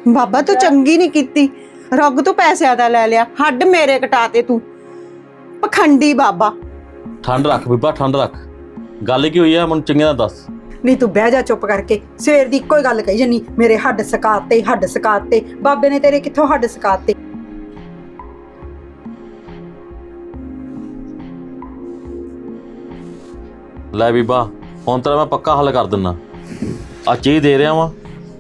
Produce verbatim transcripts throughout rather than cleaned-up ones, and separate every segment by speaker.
Speaker 1: ਬਾਬਾ ਤੂੰ ਚੰਗੀ ਨਹੀਂ ਕੀਤੀ। ਰੱਗ ਤੋਂ ਪੈਸਿਆਂ ਦਾ ਲੈ ਲਿਆ, ਹੱਡ ਮੇਰੇ ਕਟਾਤੇ ਤੂੰ। ਪਖੰਡੀ ਬਾਬਾ।
Speaker 2: ਠੰਡ ਰੱਖ ਬੀਬਾ, ਠੰਡ ਰੱਖ। ਗੱਲ ਕੀ ਹੋਈ ਆ ਮੈਨੂੰ ਚੰਗੀ ਤਰ੍ਹਾਂ ਦੱਸ।
Speaker 3: ਨਹੀਂ ਤੂੰ ਬਹਿ ਜਾ ਚੁੱਪ ਕਰਕੇ। ਸਵੇਰ ਦੀ ਇੱਕੋ ਹੀ ਗੱਲ ਕਹੀ ਜੰਨੀ, ਮੇਰੇ ਹੱਡ ਸਕਾਤੇ ਹੱਡ ਸਕਾਤੇ। ਬਾਬੇ ਨੇ ਤੇਰੇ ਕਿੱਥੋਂ ਹੱਡ ਸਕਾਤੇ?
Speaker 2: ਲੈ ਬੀਬਾ ਹੁਣ ਤੇਰਾ ਮੈਂ ਪੱਕਾ ਹੱਲ ਕਰ ਦਿੰਦਾ। ਆ ਚੀਜ਼ ਦੇ ਰਿਹਾ ਵਾਂ,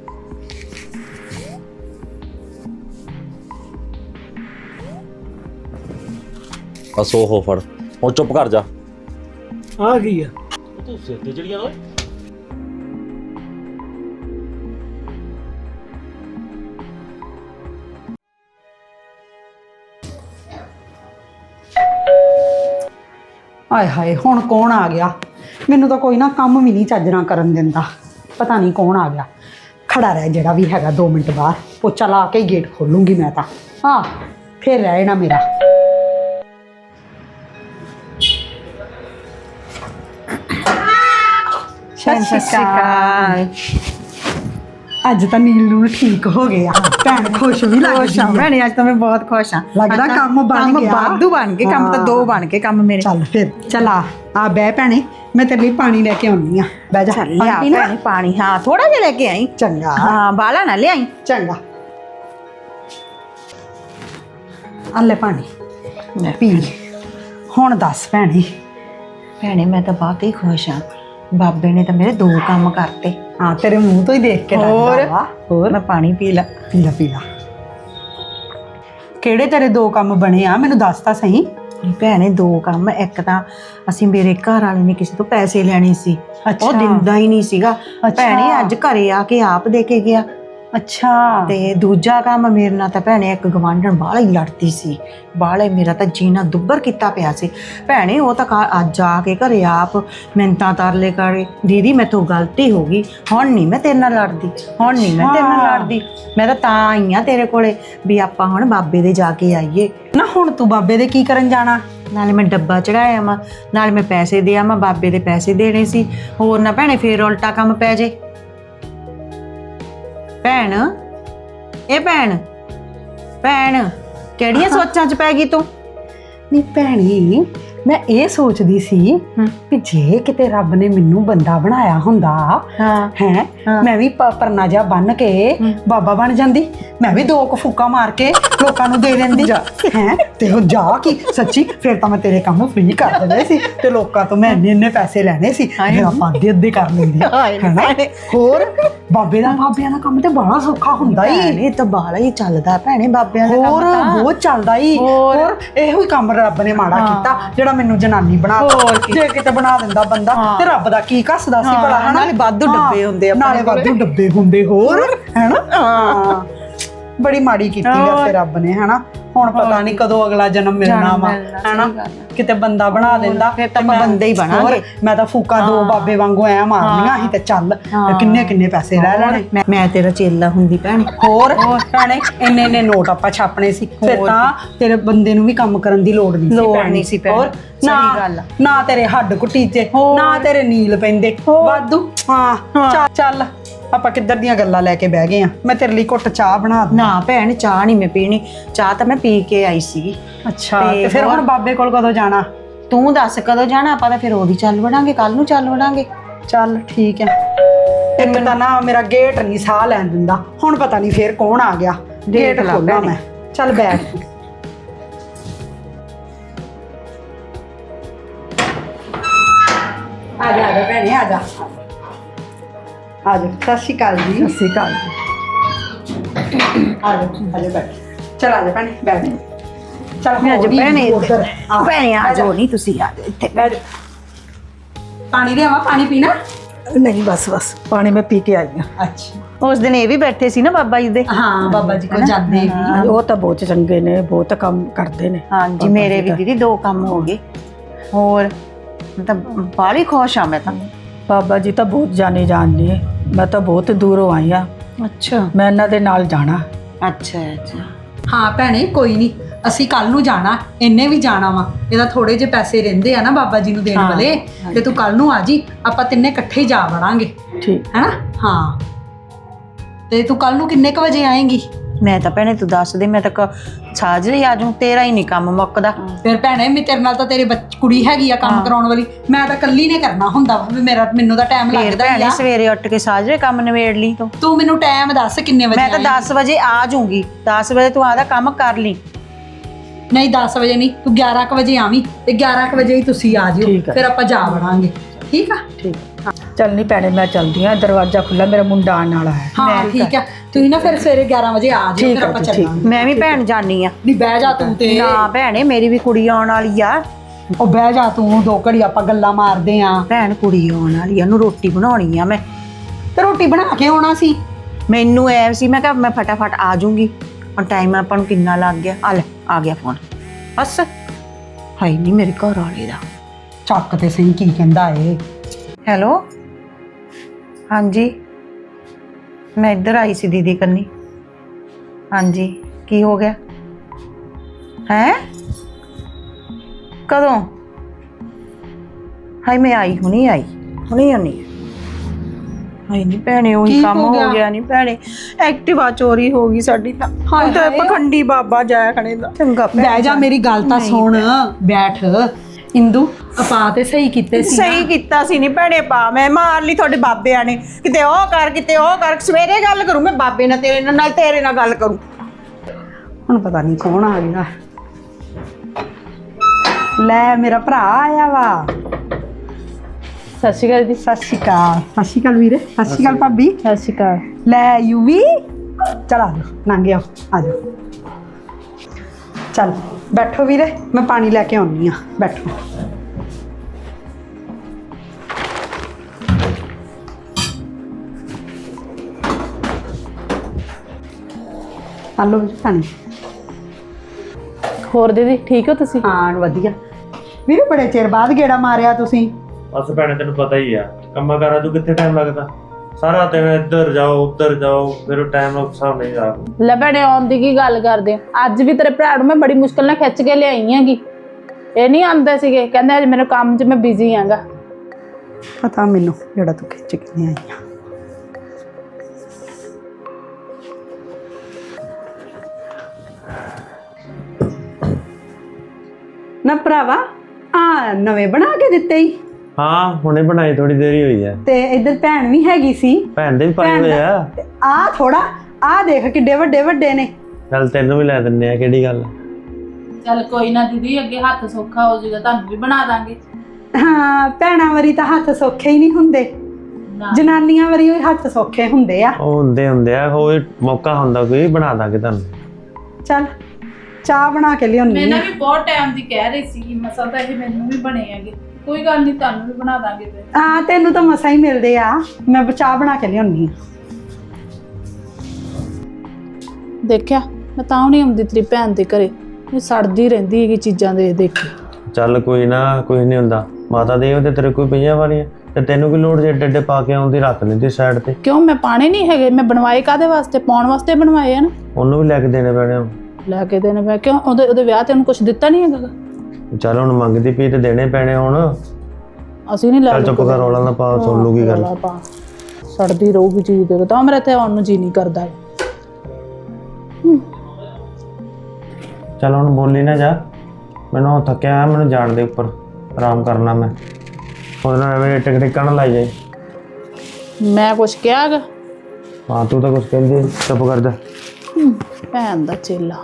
Speaker 2: ਬਸ ਉਹ ਫੜ। ਹੁਣ ਚੁੱਪ ਕਰ ਜਾ।
Speaker 4: ਆ ਗਈ ਆ
Speaker 2: ਤੂੰ ਸਿਰ ਤੇ ਚੜੀਆਂ ਓਏ।
Speaker 3: ਹਾਏ ਹਾਏ, ਹੁਣ ਕੌਣ ਆ ਗਿਆ? ਮੈਨੂੰ ਤਾਂ ਕੋਈ ਨਾ ਕੰਮ ਵੀ ਨਹੀਂ ਚੱਜ ਨਾਲ ਕਰਨ ਦਿੰਦਾ। ਪਤਾ ਨਹੀਂ ਕੌਣ ਆ ਗਿਆ। ਖੜਾ ਰਹਿ ਜਿਹੜਾ ਵੀ ਹੈਗਾ, ਦੋ ਮਿੰਟ ਬਾਅਦ ਪੋਚਾ ਲਾ ਕੇ ਗੇਟ ਖੋਲੂੰਗੀ ਮੈਂ ਤਾਂ। ਹਾਂ ਫਿਰ ਰਹਿ ਨਾ ਮੇਰਾ। ਸਤਿ ਸ਼੍ਰੀ ਅਕਾਲ। ਅੱਜ ਤਾਂ ਨੀਲ ਨੂੰ ਠੀਕ ਹੋ ਗਿਆ। ਭੈਣ ਖੁਸ਼ ਵੀ ਲੱਗ
Speaker 1: ਖੁਸ਼ ਹਾਂ
Speaker 3: ਗਈ ਆ।
Speaker 1: ਭੈਣੇ, ਅੱਜ ਤਾਂ ਮੈਂ ਬਹੁਤ ਖੁਸ਼ ਹਾਂ।
Speaker 3: ਲੱਗਦਾ ਕੰਮ ਬਣ
Speaker 1: ਕੰਮ
Speaker 3: ਗਿਆ।
Speaker 1: ਵਾਧੂ ਬਣ ਗਏ, ਕੰਮ ਤਾਂ ਦੋ ਬਣ ਗਏ ਕੰਮ ਮੇਰੇ।
Speaker 3: ਚੱਲ ਫਿਰ ਚਲਾ ਆ ਬਹਿ ਭੈਣੇ, ਮੈਂ ਤੇਰੇ ਲਈ ਪਾਣੀ ਲੈ ਕੇ ਆਉਣੀ ਆ। ਬਹਿ ਜਾ।
Speaker 1: ਚੱਲ
Speaker 3: ਪਾਣੀ
Speaker 1: ਲਿਆ
Speaker 3: ਪੀਣਾ?
Speaker 1: ਭੈਣੇ ਪਾਣੀ। ਹਾਂ ਥੋੜਾ ਜਿਹਾ ਲੈ ਕੇ ਆਈ।
Speaker 3: ਚੰਗਾ
Speaker 1: ਹਾਂ ਬਾਲਾ ਨਾ ਲਿਆਈ।
Speaker 3: ਚੰਗਾ ਆ ਲੈ ਪਾਣੀ
Speaker 1: ਲੈ
Speaker 3: ਪੀ। ਹੁਣ ਦੱਸ ਭੈਣੇ।
Speaker 1: ਭੈਣੇ ਮੈਂ ਤਾਂ ਬਹੁਤ ਹੀ ਖੁਸ਼ ਹਾਂ। ਬਾਬੇ ਨੇ ਤਾਂ ਮੇਰੇ ਦੋ ਕੰਮ ਕਰਤੇ।
Speaker 3: ਹਾਂ ਤੇਰੇ ਮੂੰਹ ਤੋਂ ਹੀ ਦੇਖ ਕੇ
Speaker 1: ਹੋਰ?
Speaker 3: ਲੱਗਦਾ ਵਾ। ਹੋਰ
Speaker 1: ਮੈਂ ਪਾਣੀ ਪੀ ਲਾ।
Speaker 3: ਪੀ ਲਾ ਪੀ ਲਾ। ਕਿਹੜੇ ਤੇਰੇ ਦੋ ਕੰਮ ਬਣੇ ਆ, ਮੈਨੂੰ ਦੱਸ ਤਾਂ ਸਹੀ।
Speaker 1: ਭੈਣੇ ਦੋ ਕੰਮ, ਇੱਕ ਤਾਂ ਅਸੀਂ ਮੇਰੇ ਘਰ ਵਾਲੇ ਨੇ ਕਿਸੇ ਤੋਂ ਪੈਸੇ ਲੈਣੇ ਸੀ,
Speaker 3: ਅੱਛਾ।
Speaker 1: ਉਹ ਦਿੰਦਾ ਹੀ ਨਹੀਂ ਸੀਗਾ।
Speaker 3: ਅੱਛਾ।
Speaker 1: ਭੈਣੇ ਅੱਜ ਘਰੇ ਆ ਕੇ ਆਪ ਦੇ ਕੇ ਗਿਆ।
Speaker 3: ਅੱਛਾ
Speaker 1: ਤੇ ਦੂਜਾ ਕੰਮ ਮੇਰੇ ਨਾਲ ਤਾਂ ਭੈਣੇ ਇੱਕ ਗਵਾਂਢਣ ਬਾਹਲਾ ਹੀ ਲੜਦੀ ਸੀ। ਬਾਹਲਾ ਮੇਰਾ ਤਾਂ ਜੀਣਾ ਦੁੱਬਰ ਕੀਤਾ ਪਿਆ ਸੀ ਭੈਣੇ। ਉਹ ਤਾਂ ਕਾ- ਅੱਜ ਆ ਕੇ ਘਰੇ ਆਪ ਮਿੰਤਾਂ ਤਰਲੇ ਕਰੇ, ਦੀਦੀ ਮੈਥੋਂ ਗਲਤੀ ਹੋ ਗਈ, ਹੁਣ ਨਹੀਂ ਮੈਂ ਤੇਰੇ ਨਾਲ ਲੜਦੀ, ਹੁਣ ਨਹੀਂ ਮੈਂ ਤੇਰੇ ਨਾਲ ਲੜਦੀ। ਮੈਂ ਤਾਂ ਤਾਂ ਆਈ ਆ ਤੇਰੇ ਕੋਲੇ ਵੀ ਆਪਾਂ ਹੁਣ ਬਾਬੇ ਦੇ ਜਾ ਕੇ ਆਈਏ।
Speaker 3: ਨਾ ਹੁਣ ਤੂੰ ਬਾਬੇ ਦੇ ਕੀ ਕਰਨ ਜਾਣਾ?
Speaker 1: ਨਾਲੇ ਮੈਂ ਡੱਬਾ ਚੜਾਇਆ ਵਾ, ਨਾਲੇ ਮੈਂ ਪੈਸੇ ਦੇ ਆਵਾਂ। ਬਾਬੇ ਦੇ ਪੈਸੇ ਦੇਣੇ ਸੀ। ਹੋਰ ਨਾ ਭੈਣੇ ਫੇਰ ਉਲਟਾ ਕੰਮ ਪੈ ਜੇ। ਭੈਣ ਇਹ ਭੈਣ ਭੈਣ ਕਿਹੜੀਆਂ ਸੋਚਾਂ 'ਚ ਪੈ ਗਈ ਤੂੰ?
Speaker 3: ਨਹੀਂ ਭੈਣੀ, ਮੈਂ ਇਹ ਸੋਚਦੀ ਸੀ ਵੀ ਜੇ ਕਿਤੇ ਰੱਬ ਨੇ ਮੈਨੂੰ ਬੰਦਾ ਬਣਾਇਆ ਹੁੰਦਾ
Speaker 1: ਹਾਂ
Speaker 3: ਹੈ, ਮੈਂ ਵੀ ਪ- ਪਰਨਾ ਜਿਹਾ ਬੰਨ ਕੇ ਬਾਬਾ ਬਣ ਜਾਂਦੀ। ਮੈਂ ਵੀ ਦੋ ਕੁ ਫੂਕਾਂ ਮਾਰ ਕੇ ਲੋਕਾਂ ਨੂੰ ਦੇ ਦਿੰਦੀ ਹੈ। ਤੇ ਉਹ ਜਾ ਕੀ ਸੱਚੀ, ਫਿਰ ਤਾਂ ਮੈਂ ਤੇਰੇ ਕੰਮ ਫ੍ਰੀ ਕਰ ਦਿੰਦੇ ਸੀ ਤੇ ਲੋਕਾਂ ਤੋਂ ਮੈਂ ਇੰਨੇ ਇੰਨੇ ਪੈਸੇ ਲੈਣੇ ਸੀ। ਫਿਰ ਆਪਾਂ ਅੱਧੇ ਅੱਧੇ ਕਰ ਲੈਂਦੀ ਹੈ। ਹੋਰ ਬਾਬੇ ਦਾ ਬਾਬਿਆਂ ਦਾ ਕੰਮ ਤੇ ਬੜਾ ਸੌਖਾ ਹੁੰਦਾ ਹੀ।
Speaker 1: ਇਹ ਤਾਂ ਬਾਲਾ ਹੀ ਚੱਲਦਾ ਭੈਣੇ ਬਾਬਿਆਂ ਦਾ
Speaker 3: ਹੋਰ
Speaker 1: ਕੰਮ ਤਾਂ।
Speaker 3: ਬਹੁਤ ਚੱਲਦਾ ਹੀ।
Speaker 1: ਹੋਰ?
Speaker 3: ਹੋਰ ਇਹੋ ਹੀ ਕੰਮ ਰੱਬ ਨੇ ਮਾੜਾ ਕੀਤਾ ਜਿਹੜਾ ਮੈਨੂੰ ਜਨਾਨੀ ਬਣਾ ਦਿੱਤਾ। ਜੇ ਕਿਤੇ ਬਣਾ ਦਿੰਦਾ ਬੰਦਾ ਤੇ ਰੱਬ ਦਾ ਕੀ ਕੱਸਦਾ ਸੀ ਭਲਾ, ਹਨਾ?
Speaker 1: ਨਾਲੇ ਵਾਧੂ ਡੱਬੇ ਹੁੰਦੇ ਆਪਣੇ
Speaker 3: ਨਾਲੇ ਵਾਧੂ ਡੱਬੇ ਹੁੰਦੇ। ਹੋਰ ਹੈਨਾ? ਹਾਂ ਬੜੀ ਮਾੜੀ ਕੀਤੀ ਵੈਸੇ ਰੱਬ ਨੇ, ਹਨਾ? ਹੁਣ ਪਤਾ ਨਹੀਂ ਕਦੋਂ ਅਗਲਾ ਜਨਮ ਮਿਲਣਾ ਵਾ, ਹਨਾ? ਕਿਤੇ ਬੰਦਾ ਬਣਾ ਦਿੰਦਾ
Speaker 1: ਫਿਰ ਤਾਂ ਆਪਾਂ ਬੰਦੇ ਹੀ ਬਣਾਂਗੇ।
Speaker 3: ਮੈਂ ਤਾਂ ਫੂਕਾ ਦੋ ਬਾਬੇ ਵਾਂਗੂ ਐ ਮਾਰਨੀਆਂ ਸੀ ਤੇ ਚੱਲ ਕਿੰਨੇ ਕਿੰਨੇ ਪੈਸੇ ਲੈ ਲੈਣੇ।
Speaker 1: ਮੈਂ ਮੈਂ ਤੇਰਾ ਚੇਲਾ ਹੁੰਦੀ ਭੈਣੇ।
Speaker 3: ਹੋਰ ਭੈਣੇ ਇੰਨੇ ਇੰਨੇ ਨੋਟ ਆਪਾਂ ਛਾਪਣੇ ਸੀ, ਫਿਰ ਤਾਂ ਤੇਰੇ ਬੰਦੇ ਨੂੰ ਵੀ ਕੰਮ ਕਰਨ ਦੀ ਲੋੜ ਨਹੀਂ ਸੀ
Speaker 1: ਲੋੜ
Speaker 3: ਪੈਣੀ।
Speaker 1: ਨਹੀਂ ਸੀ ਪੈਣੀ।
Speaker 3: ਹੋਰ
Speaker 1: ਸਹੀ
Speaker 3: ਨਾ
Speaker 1: ਗੱਲ ਆ।
Speaker 3: ਨਾ ਤੇਰੇ ਹੱਡ ਕੁੱਟੀਚੇ, ਨਾ ਤੇਰੇ ਨੀਲ ਪੈਂਦੇ ਵਾਧੂ। ਹਾਂ ਚੱਲ ਚੱਲ ਆਪਾਂ ਕਿੱਧਰ ਦੀਆਂ ਗੱਲਾਂ ਲੈ ਕੇ ਬਹਿ ਗਏ ਆ। ਮੈਂ ਤੇਰੇ ਲਈ ਘੁੱਟ ਚਾਹ ਬਣਾ ਦਾਂ।
Speaker 1: ਨਾ ਭੈਣ ਚਾਹ ਨਹੀਂ ਮੈਂ ਪੀਣੀ, ਚਾਹ ਤਾਂ ਮੈਂ ਪੀ ਕੇ ਆਈ ਸੀਗੀ।
Speaker 3: ਅੱਛਾ ਤੇ ਫਿਰ ਹੁਣ ਬਾਬੇ ਕੋਲ ਕਦੋਂ ਜਾਣਾ?
Speaker 1: ਤੂੰ ਦੱਸ ਕਦੋਂ ਜਾਣਾ? ਆਪਾਂ ਤਾਂ ਫਿਰ ਉਹਦੀ ਚੱਲ ਵੜਾਂਗੇ, ਕੱਲ ਨੂੰ ਚੱਲ ਵੜਾਂਗੇ।
Speaker 3: ਚੱਲ ਠੀਕ ਹੈ। ਇੱਕ ਤਾਂ ਨਾ ਮੇਰਾ ਗੇਟ ਨਹੀਂ ਸਾਹ ਲੈਣ ਦਿੰਦਾ। ਹੁਣ ਪਤਾ ਨਹੀਂ ਫੇਰ ਕੌਣ ਆ ਗਿਆ। ਗੇਟ
Speaker 1: ਲਾ
Speaker 3: ਖੋਲਾਂ
Speaker 1: ਭੈਣੇ।
Speaker 3: ਮੈਂ। ਚੱਲ ਬੈਠ। ਆ ਜਾ ਆ ਜਾ ਭੈਣੇ ਆ ਜਾ ਆ ਜਾ। ਸਤਿ ਸ਼੍ਰੀ ਅਕਾਲ ਜੀ। ਸਤਿ ਸ਼੍ਰੀ ਅਕਾਲ ਆ ਜਾ ਆ ਜਾ ਬੈਠ। ਚਲ ਆ ਜਾ ਭੈਣੇ ਬੈਠ। ਚਲ
Speaker 1: ਮੈਂ ਅੱਜ ਭੈਣੇ
Speaker 3: ਉੱਧਰ ਆ।
Speaker 1: ਭੈਣੇ ਆ ਜਾਓ ਨਹੀਂ ਤੁਸੀਂ ਆ ਜਾਓ ਇੱਥੇ।
Speaker 3: ਬੈਠ। ਪਾਣੀ ਲਿਆਵਾਂ? ਪਾਣੀ ਪੀਣਾ?
Speaker 4: ਨਹੀਂ ਬਸ ਬਸ ਪਾਣੀ ਮੈਂ ਪੀ ਕੇ ਆਈ ਆ।
Speaker 3: ਅੱਛਾ
Speaker 1: ਉਸ ਦਿਨ ਇਹ ਵੀ ਬੈਠੇ ਸੀ ਨਾ ਬਾਬਾ ਜੀ ਦੇ।
Speaker 3: ਹਾਂ ਬਾਬਾ ਜੀ ਕੋਲ ਜਾਂਦੇ ਵੀ।
Speaker 4: ਉਹ ਤਾਂ ਬਹੁਤ ਚੰਗੇ ਨੇ, ਬਹੁਤ ਕੰਮ ਕਰਦੇ ਨੇ।
Speaker 1: ਹਾਂਜੀ ਮੇਰੇ ਵੀ ਦੀਦੀ ਦੋ ਕੰਮ ਹੋ ਗਏ। ਹੋਰ ਮੈਂ ਤਾਂ ਬਾਹਲੀ ਖੁਸ਼ ਆ। ਮੈਂ ਤਾਂ
Speaker 4: ਬਾਬਾ ਜੀ ਤਾਂ ਬਹੁਤ ਜਾਣੇ ਜਾਣਦੇ ਨੇ। ਮੈਂ ਤਾਂ ਬਹੁਤ ਦੂਰੋਂ ਆਈ ਆ।
Speaker 1: ਅੱਛਾ
Speaker 4: ਮੈਂ ਇਹਨਾਂ ਦੇ ਨਾਲ ਜਾਣਾ।
Speaker 1: ਅੱਛਾ ਅੱਛਾ।
Speaker 3: ਹਾਂ ਭੈਣੇ ਕੋਈ ਨਹੀਂ, ਅਸੀਂ ਕੱਲ ਨੂੰ ਜਾਣਾ। ਇੰਨੇ ਵੀ ਜਾਣਾ ਵਾ। ਇਹਦਾ ਥੋੜੇ ਜਿਹੇ ਪੈਸੇ ਰਹਿੰਦੇ ਆ ਨਾ ਬਾਬਾ ਜੀ ਨੂੰ ਦੇਣ ਵਾਲੇ, ਤੇ ਤੂੰ ਕੱਲ ਨੂੰ ਆ ਜੀ। ਆਪਾਂ ਤਿੰਨੇ ਇਕੱਠੇ ਹੀ ਜਾ ਵੜਾਂਗੇ,
Speaker 4: ਠੀਕ
Speaker 3: ਹੈਨਾ? ਹਾਂ ਤੇ ਤੂੰ ਕੱਲ ਨੂੰ ਕਿੰਨੇ ਕ ਵਜੇ ਆਏਂਗੀ?
Speaker 1: ਮੈਂ ਤਾਂ ਭੈਣੇ ਤੂੰ ਦੱਸ ਦੇ, ਮੈਂ ਤਾਂ ਕ- ਸਾਜਰੇ ਆ ਜਾਊਂ, ਤੇਰਾ ਹੀ ਨਹੀਂ ਕੰਮ ਮੁੱਕਦਾ।
Speaker 3: ਫਿਰ ਭੈਣੇ ਮੈਂ ਤੇਰੇ ਨਾਲ ਤਾਂ ਤੇਰੀ ਬੱਚ- ਕੁੜੀ ਹੈਗੀ ਆ ਕੰਮ ਕਰਾਉਣ ਵਾਲੀ, ਮੈਂ ਤਾਂ ਕੱਲੀ ਨੇ ਕਰਨਾ ਹੁੰਦਾ ਵਾ ਵੀ ਮੇਰਾ ਮੈਨੂੰ ਤਾਂ ਟਾਈਮ
Speaker 1: ਫੇਰ
Speaker 3: ਲੱਗਦਾ ਹੀ
Speaker 1: ਭੈਣੇ
Speaker 3: ਆ।
Speaker 1: ਸਵੇਰੇ ਉੱਠ ਕੇ ਸਾਜਰੇ ਕੰਮ ਨਿਬੇੜ ਲਈ ਤੂੰ।
Speaker 3: ਤੂੰ ਮੈਨੂੰ ਟਾਈਮ ਦੱਸ ਕਿੰਨੇ ਵਜੇ
Speaker 1: ਮੈਂ ਤਾਂ
Speaker 3: ਆਏਂਗੀ?
Speaker 1: ਦਸ ਵਜੇ ਆ ਜਾਊਂਗੀ, ਦਸ ਵਜੇ ਤੂੰ ਆਦਾ ਕੰਮ ਕਰ ਲਈ।
Speaker 3: ਨਹੀਂ ਦਸ ਵਜੇ ਨਹੀਂ, ਤੂੰ ਗਿਆਰਾਂ ਕੁ ਵਜੇ ਆਵੀਂ ਤੇ ਗਿਆਰਾਂ ਕੁ ਵਜੇ ਹੀ ਤੁਸੀਂ ਆ ਜਿਓ,
Speaker 4: ਠੀਕ ਆ।
Speaker 3: ਫਿਰ ਆਪਾਂ ਜਾ ਵੜਾਂਗੇ। ਠੀਕ ਆ?
Speaker 4: ਠੀਕ ਚੱਲ ਨਹੀਂ ਭੈਣੇ ਮੈਂ ਚੱਲਦੀ ਆ, ਦਰਵਾਜ਼ਾ ਖੁੱਲਾ, ਮੇਰਾ ਮੁੰਡਾ ਆਉਣ ਵਾਲਾ ਹੈ।
Speaker 3: ਹਾਂ ਠੀਕ ਆ, ਤੁਸੀਂ ਨਾ ਫਿਰ ਸਵੇਰੇ ਗਿਆਰਾਂ ਵਜੇ ਆ ਜਿਓ,
Speaker 4: ਠੀਕ
Speaker 3: ਫਿਰ
Speaker 4: ਆ
Speaker 3: ਆਪਾਂ
Speaker 4: ਜੀ, ਠੀਕ।
Speaker 3: ਚੱਲਾਂਗੇ।
Speaker 1: ਮੈਂ ਵੀ ਭੈਣ ਜਾਨੀ ਆ।
Speaker 3: ਨਹੀਂ ਬਹਿ ਜਾ ਤੂੰ ਤੇ।
Speaker 1: ਨਾ ਭੈਣੇ ਮੇਰੀ ਵੀ ਕੁੜੀ ਆਉਣ ਵਾਲੀ ਆ।
Speaker 3: ਉਹ ਬਹਿ ਜਾ ਤੂੰ, ਦੋ ਘੜੀ ਆਪਾਂ ਗੱਲਾਂ ਮਾਰਦੇ ਆਂ।
Speaker 1: ਭੈਣ ਕੁੜੀ ਆਉਣ ਵਾਲੀ ਆ, ਉਹਨੂੰ ਰੋਟੀ ਬਣਾਉਣੀ ਆ ਮੈਂ।
Speaker 3: ਤੇ ਰੋਟੀ ਬਣਾ ਕੇ ਆਉਣਾ ਸੀ।
Speaker 1: ਮੈਨੂੰ ਐ ਸੀ ਮੈਂ ਕਿਹਾ ਮੈਂ ਫਟਾਫਟ ਆ ਜਾਊਂਗੀ। ਹੁਣ ਟਾਈਮ ਆਪਾਂ ਨੂੰ ਕਿੰਨਾ ਲੱਗ ਗਿਆ। ਆ ਲੈ ਆ ਗਿਆ ਫੋਨ। ਬਸ ਹਾਈ ਨਹੀਂ ਮੇਰੇ ਘਰ ਵਾਲੇ ਦਾ।
Speaker 3: ਚੱਕ ਤੇ ਸਹੀ ਕੀ ਕਹਿੰਦਾ ਏ।
Speaker 1: ਹੈਲੋ ਹਾਂਜੀ, ਮੈਂ ਇੱਧਰ ਆਈ ਸੀ ਦੀਦੀ ਕੰਨੀ। ਹਾਂਜੀ ਕੀ ਹੋ ਗਿਆ ਹੈ? ਕਦੋਂ? ਹਾਈ ਮੈਂ ਆਈ ਹੁਣੀ ਆਈ ਹੁਣੀ ਆਉਣੀ। ਹਾਏ ਨਹੀਂ ਭੈਣੇ ਉਹੀ
Speaker 3: ਕੀ
Speaker 1: ਕੰਮ
Speaker 3: ਹੋ
Speaker 1: ਹੋ
Speaker 3: ਗਿਆ?
Speaker 1: ਗਿਆ ਨਹੀਂ ਭੈਣੇ, ਐਕਟਿਵਾ ਚੋਰੀ ਹੋ ਗਈ ਸਾਡੀ ਤਾਂ।
Speaker 3: ਹਾਏ
Speaker 1: ਹੁਣ ਤਾਂ
Speaker 3: ਹਾਏ।
Speaker 1: ਪਖੰਡੀ ਬਾਬਾ ਜਾਇਆ ਖਣੇ ਦਾ। ਚੰਗਾ
Speaker 3: ਬਹਿ ਜਾ, ਮੇਰੀ ਗੱਲ ਤਾਂ
Speaker 1: ਨਹੀਂ
Speaker 3: ਸੁਣ। ਬੈਠ ਇੰਦੂ, ਆਪਾ ਤੇ ਸਹੀ ਕੀਤੇ ਸੀ ਨਾ।
Speaker 1: ਸਹੀ ਕੀਤਾ ਸੀ ਨਹੀਂ ਭੈਣੇ ਪਾ, ਮੈਂ ਮਾਰ ਲਈ ਤੁਹਾਡੇ ਬਾਬਿਆਂ ਨੇ। ਕਿਤੇ ਉਹ ਕਰ ਕਿਤੇ ਉਹ ਕਰ, ਸਵੇਰੇ ਗੱਲ ਕਰੂੰ ਮੈਂ ਬਾਬੇ ਨਾਲ, ਤੇਰੇ ਨਾਲ ਨਾਲ ਤੇਰੇ ਨਾਲ ਗੱਲ ਕਰੂੰ।
Speaker 3: ਹੁਣ ਪਤਾ ਨਹੀਂ ਕੌਣ ਆ ਗਿਆ। ਲੈ ਮੇਰਾ ਭਰਾ ਆਇਆ ਵਾ।
Speaker 4: ਸਤਿ ਸ਼੍ਰੀ ਅਕਾਲ ਜੀ।
Speaker 3: ਸਤਿ ਸ਼੍ਰੀ ਅਕਾਲ। ਸਤਿ ਸ਼੍ਰੀ ਅਕਾਲ ਵੀਰੇ। ਸਤਿ ਸ਼੍ਰੀ ਅਕਾਲ ਭਾਬੀ।
Speaker 4: ਸਤਿ ਸ਼੍ਰੀ ਅਕਾਲ।
Speaker 3: ਲੈ ਯੂਵੀ ਚਲ ਆ ਜਾਓ, ਲੰਘ ਆਓ, ਆ ਜਾਓ। ਚੱਲ ਬੈਠੋ ਵੀਰੇ, ਮੈਂ ਪਾਣੀ ਲੈ ਕੇ ਆਉਣੀ ਆ। ਬੈਠੋ। ਆ ਲਓ ਜੀ ਪਾਣੀ।
Speaker 4: ਹੋਰ ਦੀਦੀ ਠੀਕ ਹੋ ਤੁਸੀਂ?
Speaker 3: ਹਾਂ ਵਧੀਆ ਵੀਰੇ, ਬੜੇ ਚਿਰ ਬਾਅਦ ਗੇੜਾ ਮਾਰਿਆ ਤੁਸੀਂ।
Speaker 5: ਬਸ ਭੈਣੇ ਤੈਨੂੰ ਪਤਾ ਹੀ ਆ, ਕੰਮਾਂ ਕਾਰਾਂ ਤੋਂ ਕਿੱਥੇ ਟਾਈਮ ਲੱਗਦਾ। ਸਾਰਾ ਦਿਨ ਇੱਧਰ ਜਾਓ ਉੱਧਰ ਜਾਓ, ਫਿਰ ਟਾਈਮ ਦਾ ਹਿਸਾਬ ਨਹੀਂ ਆ।
Speaker 6: ਲੈ ਭੈਣੇ ਆਉਣ ਦੀ ਕੀ ਗੱਲ ਕਰਦੇ ਆ? ਅੱਜ ਵੀ ਤੇਰੇ ਭਰਾ ਨੂੰ ਮੈਂ ਬੜੀ ਮੁਸ਼ਕਲ ਨਾਲ ਖਿੱਚ ਕੇ ਲਿਆਈ ਹੈਗੀ। ਇਹ ਨਹੀਂ ਆਉਂਦੇ ਸੀਗੇ, ਕਹਿੰਦੇ ਅੱਜ ਮੇਰੇ ਕੰਮ 'ਚ ਮੈਂ ਬਿਜ਼ੀ ਆਂਗਾ।
Speaker 3: ਪਤਾ ਮੈਨੂੰ ਜਿਹੜਾ ਤੂੰ ਖਿੱਚ ਕੇ ਨਹੀਂ ਆਈ ਆ। ਨਾ ਭਰਾਵਾ ਆ ਨਵੇਂ ਬਣਾ ਕੇ ਦਿੱਤੇ ਹੀ
Speaker 5: ਹਾਂ ਹੁਣੇ ਬਣਾਈ, ਥੋੜੀ ਦੇਰੀ ਹੋਈ ਆ।
Speaker 3: ਤੇ ਇੱਧਰ ਭੈਣ ਵੀ ਹੈਗੀ ਸੀ।
Speaker 5: ਭੈਣ ਦੇ ਵੀ ਪਾਏ ਹੋਏ ਆ।
Speaker 3: ਆ ਥੋੜਾ ਆ ਦੇਖ ਕਿੱਡੇ ਵੱਡੇ ਵੱਡੇ ਨੇ।
Speaker 5: ਚੱਲ ਤੈਨੂੰ ਵੀ ਲੈ ਦਿੰਨੇ ਆ, ਕਿਹੜੀ ਗੱਲ।
Speaker 6: ਚੱਲ ਕੋਈ ਨਾ ਦੀਦੀ, ਅੱਗੇ ਹੱਥ ਸੌਖਾ ਹੋ ਜਾਊਗਾ, ਤੁਹਾਨੂੰ ਵੀ ਬਣਾ ਦਾਂਗੇ।
Speaker 3: ਹਾਂ ਭੈਣਾਂ ਵਾਰੀ ਤਾਂ ਹੱਥ ਸੌਖੇ ਹੀ ਨਹੀਂ ਹੁੰਦੇ, ਜਨਾਨੀਆਂ ਵਾਰੀ ਉਹ ਹੱਥ ਸੌਖੇ ਹੁੰਦੇ ਆ।
Speaker 5: ਉਹ ਹੁੰਦੇ ਹੁੰਦੇ ਆ, ਕੋਈ ਮੌਕਾ ਹੁੰਦਾ ਕੋਈ ਬਣਾ ਦਾਂਗੇ ਤੁਹਾਨੂੰ।
Speaker 3: ਚੱਲ ਚਾਹ ਬਣਾ ਕੇ ਲਿਆਉਣੀ
Speaker 6: ਮੈਂ
Speaker 3: ਆ।
Speaker 6: ਵੀ ਬਹੁਤ ਟਾਈਮ ਦੀ ਕਹਿ ਰਹੀ ਸੀ, ਮਸਾ ਤਾਂ ਇਹ ਮੈਨੂੰ ਵੀ ਬਣੇ ਹੈਗੇ। ਕੋਈ ਗੱਲ ਨਹੀਂ, ਤੁਹਾਨੂੰ ਵੀ ਬਣਾ ਦਾਂਗੇ ਫਿਰ।
Speaker 3: ਹਾਂ ਤੈਨੂੰ ਤਾਂ ਮਸਾ ਹੀ ਮਿਲਦੇ ਆ। ਮੈਂ ਚਾਹ ਬਣਾ ਕੇ ਲਿਆਉਣੀ ਆ।
Speaker 6: ਦੇਖਿਆ, ਮੈਂ ਤਾਂ ਨਹੀਂ ਆਉਂਦੀ ਤੇਰੀ ਭੈਣ ਦੇ ਘਰੇ, ਇਹ ਸੜਦੀ ਰਹਿੰਦੀ ਹੈਗੀ ਚੀਜ਼ਾਂ ਦੇ ਦੇਖ ਕੇ।
Speaker 5: ਚੱਲ ਕੋਈ ਨਾ, ਕੁਝ ਨਹੀਂ ਹੁੰਦਾ। ਮਾਤਾ ਦੇ ਉਹਦੇ ਤੇਰੇ ਕੋਈ ਪਈਆਂ ਵਾਲੀਆਂ, ਤੇ ਤੈਨੂੰ ਕੀ ਲੋੜ ਜੇ ਏਡੇ ਏਡੇ ਪਾ ਕੇ ਆਉਂਦੀ, ਰੱਖ ਲੈਂਦੀ ਸਾਈਡ ਤੇ।
Speaker 6: ਕਿਉਂ ਮੈਂ ਪਾਣੇ ਨਹੀਂ ਹੈਗੇ? ਮੈਂ ਬਣਵਾਏ ਕਾਦੇ ਵਾਸਤੇ? ਪਾਉਣ ਵਾਸਤੇ ਬਣਵਾਏ ਆ ਨਾ।
Speaker 5: ਉਹਨੂੰ ਵੀ ਲੈ ਕੇ ਦੇਣੇ ਪੈਣੇ ਹੁਣ।
Speaker 6: ਲੈ ਕੇ ਦੇਣੇ ਪਏ ਕਿਉਂ? ਉਹਦੇ ਉਹਦੇ ਵਿਆਹ ਤੇ ਉਹਨੂੰ ਕੁਝ ਦਿੱਤਾ ਨਹੀਂ ਹੈਗਾ।
Speaker 5: ਚੱਲ ਹੁਣ ਮੰਗਦੀ ਪਈ ਤੇ ਦੇਣੇ ਪੈਣੇ ਹੁਣ।
Speaker 6: ਅਸੀਂ ਨਹੀਂ ਲੈ
Speaker 5: ਚੱਲ ਚੁੱਪ ਕਰ, ਰੌਲਾ ਨਾ ਪਾ, ਸੁਣ ਲੂਗੀ ਗੱਲ।
Speaker 6: ਰੌਲਾ ਪਾ। ਸੜਦੀ ਰਹੂਗੀ ਚੀਜ਼ ਦੇ ਤਾਂ ਮੇਰਾ ਇੱਥੇ ਆਉਣ ਨੂੰ ਜੀ ਨਹੀਂ ਕਰਦਾ।
Speaker 5: ਚੱਲ ਹੁਣ ਬੋਲੀ ਨਾ ਜਾ, ਮੈਨੂੰ ਥੱਕਿਆ ਆ, ਮੈਨੂੰ ਜਾਣ ਦੇ ਉੱਪਰ, ਆਰਾਮ ਕਰਨਾ ਮੈਂ। ਉਹਦੇ ਨਾਲ ਐਵੇਂ ਟਿਕ ਟਿਕਾ ਨਾ ਲਾਈ ਜਾਈ।
Speaker 6: ਮੈਂ ਕੁਛ ਕਿਹਾ ਹੈਗਾ?
Speaker 5: ਹਾਂ ਤੂੰ ਤਾਂ ਕੁਛ ਕਹਿੰਦੀ ਨੀ, ਚੁੱਪ ਕਰ ਜਾ।
Speaker 6: ਭੈਣ ਦਾ ਚੇਲਾ।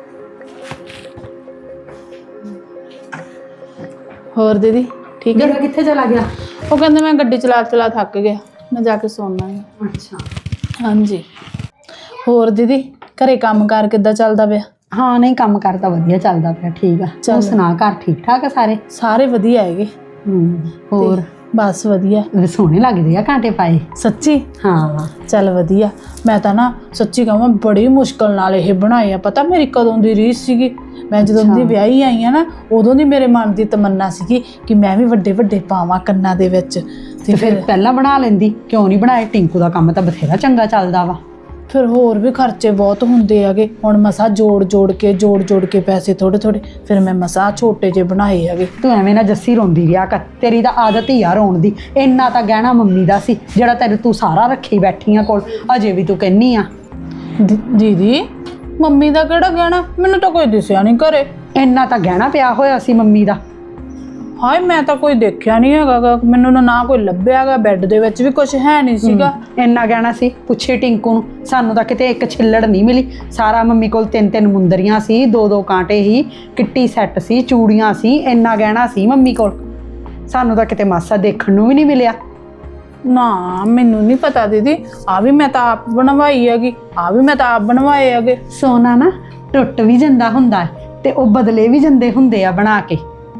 Speaker 6: ਹੋਰ ਦੀਦੀ ਠੀਕ ਹੈ?
Speaker 3: ਮੇਰਾ ਕਿੱਥੇ ਚਲਾ ਗਿਆ?
Speaker 6: ਉਹ ਕਹਿੰਦੇ ਮੈਂ ਗੱਡੀ ਚਲਾ ਚਲਾ ਥੱਕ ਗਿਆ, ਮੈਂ ਜਾ ਕੇ ਸੌਣਾ ਹੈ।
Speaker 3: ਅੱਛਾ
Speaker 6: ਹਾਂਜੀ। ਹੋਰ ਦੀਦੀ ਘਰੇ ਕੰਮ ਕਾਰ ਕਿੱਦਾਂ ਚੱਲਦਾ ਪਿਆ?
Speaker 3: ਹਾਂ ਨਹੀਂ ਕੰਮ ਕਾਰ ਤਾਂ ਵਧੀਆ ਚੱਲਦਾ ਪਿਆ। ਠੀਕ ਆ।
Speaker 6: ਚੱਲ।
Speaker 3: ਤੂੰ ਸੁਣਾ, ਘਰ ਠੀਕ ਠਾਕ ਆ ਸਾਰੇ?
Speaker 6: ਸਾਰੇ ਵਧੀਆ ਹੈਗੇ।
Speaker 3: ਹੂੰ ਹੋਰ
Speaker 6: ਤੇ ਬਸ ਵਧੀਆ।
Speaker 3: ਵੀ ਸੋਹਣੇ ਲੱਗਦੇ ਆ ਕਾਂਟੇ ਪਾਏ।
Speaker 6: ਸੱਚੀ?
Speaker 3: ਹਾਂ
Speaker 6: ਚੱਲ ਵਧੀਆ। ਮੈਂ ਤਾਂ ਨਾ ਸੱਚੀ ਕਹਾਂ ਬੜੀ ਮੁਸ਼ਕਲ ਨਾਲ ਇਹ ਬਣਾਏ ਆ। ਪਤਾ ਮੇਰੀ ਕਦੋਂ ਦੀ ਰੀਸ ਸੀਗੀ, ਮੈਂ ਜਦੋਂ ਦੀ ਵਿਆਹੀ ਆਈ ਆ ਨਾ, ਉਦੋਂ ਦੀ ਮੇਰੇ ਮਨ ਦੀ ਤਮੰਨਾ ਸੀਗੀ ਕਿ ਮੈਂ ਵੀ ਵੱਡੇ ਵੱਡੇ ਪਾਵਾਂ ਕੰਨਾਂ ਦੇ ਵਿੱਚ।
Speaker 3: ਤੇ ਫਿਰ ਪਹਿਲਾਂ ਬਣਾ ਲੈਂਦੀ, ਕਿਉਂ ਨਹੀਂ ਬਣਾਏ? ਟਿੰਕੂ ਦਾ ਕੰਮ ਤਾਂ ਬਥੇਰਾ ਚੰਗਾ ਚੱਲਦਾ ਵਾ।
Speaker 6: ਫਿਰ ਹੋਰ ਵੀ ਖਰਚੇ ਬਹੁਤ ਹੁੰਦੇ ਹੈਗੇ। ਹੁਣ ਮਸਾ ਜੋੜ ਜੋੜ ਕੇ ਜੋੜ ਜੋੜ ਕੇ ਪੈਸੇ ਥੋੜੇ ਥੋੜੇ ਫਿਰ ਮੈਂ ਮਸਾ ਛੋਟੇ ਜਿਹੇ ਬਣਾਏ ਹੈਗੇ।
Speaker 3: ਤੂੰ ਐਵੇਂ ਨਾ ਜੱਸੀ ਰੋਂਦੀ ਰਿਹਾ ਕਰ, ਤੇਰੀ ਤਾਂ ਆਦਤ ਹੀ ਆ ਰੋਣ ਦੀ। ਇੰਨਾ ਤਾਂ ਗਹਿਣਾ ਮੰਮੀ ਦਾ ਸੀ ਜਿਹੜਾ ਤੈਨੂੰ ਤੂੰ ਸਾਰਾ ਰੱਖੀ ਬੈਠੀ ਆ ਕੋਲ, ਅਜੇ ਵੀ ਤੂੰ ਕਹਿੰਨੀ ਆ।
Speaker 6: ਦੀ- ਦੀਦੀ ਮੰਮੀ ਦਾ ਕਿਹੜਾ ਗਹਿਣਾ? ਮੈਨੂੰ ਤਾਂ ਕੋਈ ਦਿਸਿਆ ਨਹੀਂ ਘਰੇ।
Speaker 3: ਇੰਨਾ ਤਾਂ ਗਹਿਣਾ ਪਿਆ ਹੋਇਆ ਸੀ ਮੰਮੀ ਦਾ।
Speaker 6: ਹਾਏ ਮੈਂ ਤਾਂ ਕੋਈ ਦੇਖਿਆ ਨਹੀਂ ਹੈਗਾ ਗਾ। ਮੈਨੂੰ ਨਾ- ਨਾ ਕੋਈ ਲੱਭਿਆਗਾ। ਬੈੱਡ ਦੇ ਵਿੱਚ ਵੀ ਕੁਝ ਹੈ ਨਹੀਂ ਸੀਗਾ।
Speaker 3: ਇੰਨਾ ਗਹਿਣਾ ਸੀ, ਪੁੱਛੇ ਟਿੰਕੂ ਨੂੰ। ਸਾਨੂੰ ਤਾਂ ਕਿਤੇ ਇੱਕ ਛਿੱਲੜ ਨਹੀਂ ਮਿਲੀ। ਸਾਰਾ ਮੰਮੀ ਕੋਲ ਤਿੰਨ ਤਿੰਨ ਮੁੰਦਰੀਆਂ ਸੀ, ਦੋ ਦੋ ਕਾਂਟੇ ਹੀ, ਕਿੱਟੀ ਸੈੱਟ ਸੀ, ਚੂੜੀਆਂ ਸੀ, ਇੰਨਾ ਗਹਿਣਾ ਸੀ ਮੰਮੀ ਕੋਲ। ਸਾਨੂੰ ਤਾਂ ਕਿਤੇ ਮਾਸਾ ਦੇਖਣ ਨੂੰ ਵੀ ਨਹੀਂ ਮਿਲਿਆ।
Speaker 6: ਨਾ ਮੈਨੂੰ ਨਹੀਂ ਪਤਾ ਦੀਦੀ। ਆ ਵੀ ਮੈਂ ਤਾਂ ਆਪ ਬਣਵਾਈ ਹੈਗੀ, ਆ ਵੀ ਮੈਂ ਤਾਂ ਆਪ ਬਣਵਾਏ ਹੈਗੇ।
Speaker 3: ਸੋਨਾ ਨਾ ਟੁੱਟ ਵੀ ਜਾਂਦਾ ਹੁੰਦਾ ਹੈ ਤੇ ਉਹ ਬਦਲੇ ਵੀ ਜਾਂਦੇ ਹੁੰਦੇ ਆ ਬਣਾ ਕੇ।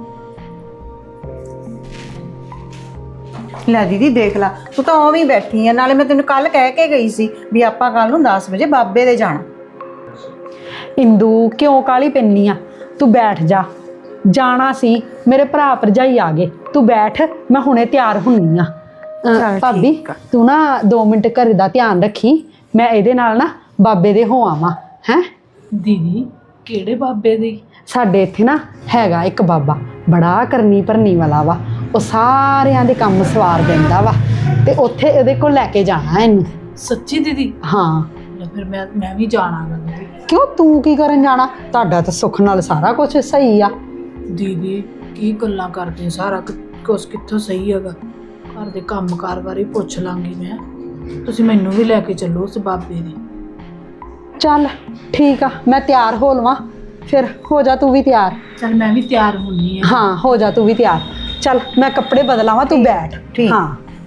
Speaker 1: ਲੈ ਦੀਦੀ ਦੇਖ ਲਾ, ਤੂੰ ਤਾਂ ਉਵੇਂ ਹੀ ਬੈਠੀ ਆ। ਨਾਲੇ ਮੈਂ ਤੈਨੂੰ ਕੱਲ ਕਹਿ ਕੇ ਗਈ ਸੀ ਵੀ ਆਪਾਂ ਕੱਲ ਨੂੰ ਦਸ ਵਜੇ ਬਾਬੇ ਦੇ ਜਾਣਾ।
Speaker 3: ਇੰਦੂ ਕਿਉਂ ਕਾਲੀ ਪੈਣੀ ਆ? ਤੂੰ ਬੈਠ ਜਾ। ਜਾਣਾ ਸੀ, ਮੇਰੇ ਭਰਾ ਭਰਜਾਈ ਆ ਗਏ। ਤੂੰ ਬੈਠ, ਮੈਂ ਹੁਣੇ ਤਿਆਰ ਹੁੰਨੀ ਆ। ਅਹ,
Speaker 1: ਚੱਲ
Speaker 3: ਭਾਬੀ
Speaker 1: ਠੀਕ ਆ।
Speaker 3: ਤੂੰ ਨਾ ਦੋ ਮਿੰਟ ਘਰ ਦਾ ਧਿਆਨ ਰੱਖੀ। ਮੈਂ ਇਹਦੇ ਨਾਲ ਨਾ ਬਾਬੇ ਦੇ ਹੋ ਆਵਾਂ ਹੈ।
Speaker 6: ਦੀਦੀ ਕਿਹੜੇ ਬਾਬੇ ਦੀ?
Speaker 3: ਸਾਡੇ ਇੱਥੇ ਨਾ ਹੈਗਾ ਇੱਕ ਬਾਬਾ, ਬੜਾ ਕਰਨੀ ਭਰਨੀ ਵਾਲਾ ਵਾ। ਉਹ ਸਾਰਿਆਂ ਦੇ ਕੰਮ ਸਵਾਰ ਦਿੰਦਾ ਵਾ ਤੇ ਉੱਥੇ ਇਹਦੇ ਕੋਲ ਲੈ ਕੇ ਜਾਣਾ ਇਹਨੂੰ।
Speaker 6: ਸੱਚੀ ਦੀਦੀ?
Speaker 3: ਹਾਂ।
Speaker 6: ਜਾਂ ਫਿਰ ਮੈਂ ਮੈਂ ਵੀ ਜਾਣਾਗਾ ਦੀਦੀ।
Speaker 3: ਕਿਉਂ ਤੂੰ ਕੀ ਕਰਨ ਜਾਣਾ? ਤੁਹਾਡਾ ਤਾਂ ਸੁੱਖ ਨਾਲ ਸਾਰਾ ਕੁਝ ਸਹੀ ਆ।
Speaker 6: ਦੀਦੀ ਕੀ ਗੱਲਾਂ ਕਰਦੇ? ਸਾਰਾ ਕੁਛ ਕਿੱਥੋਂ ਸਹੀ ਹੈਗਾ? ਘਰ ਦੇ ਕੰਮ ਕਾਰ ਬਾਰੇ ਪੁੱਛ ਲਾਂਗੀ ਮੈਂ। ਤੁਸੀਂ ਮੈਨੂੰ ਵੀ ਲੈ ਕੇ ਚੱਲੋ ਉਸ ਬਾਬੇ ਦੇ।
Speaker 3: ਚੱਲ ਠੀਕ ਆ, ਮੈਂ ਤਿਆਰ ਹੋ ਲਵਾਂ ਫਿਰ। ਹੋ ਜਾ ਤੂੰ ਵੀ ਤਿਆਰ।
Speaker 6: ਚੱਲ ਮੈਂ ਵੀ ਤਿਆਰ ਹੁੰਨੀ ਆ।
Speaker 3: ਹਾਂ ਹੋ ਜਾ ਤੂੰ ਵੀ ਤਿਆਰ। ਚੱਲ ਮੈਂ ਕੱਪੜੇ ਬਦਲਾਵਾਂ, ਤੂੰ ਬੈਠ।
Speaker 1: ਠੀਕ।
Speaker 3: ਹਾਂ।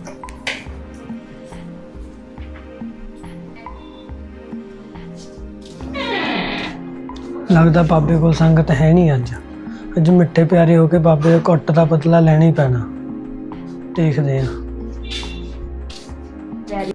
Speaker 7: ਲੱਗਦਾ ਬਾਬੇ ਕੋਲ ਸੰਗਤ ਹੈ ਨਹੀਂ ਅੱਜ। ਅੱਜ ਮਿੱਠੇ ਪਿਆਰੇ ਹੋ ਕੇ ਬਾਬੇ ਦੇ ਘੁੱਟ ਦਾ ਬਦਲਾ ਲੈਣਾ ਹੀ ਪੈਣਾ। ਦੇਖਦੇ ਆ।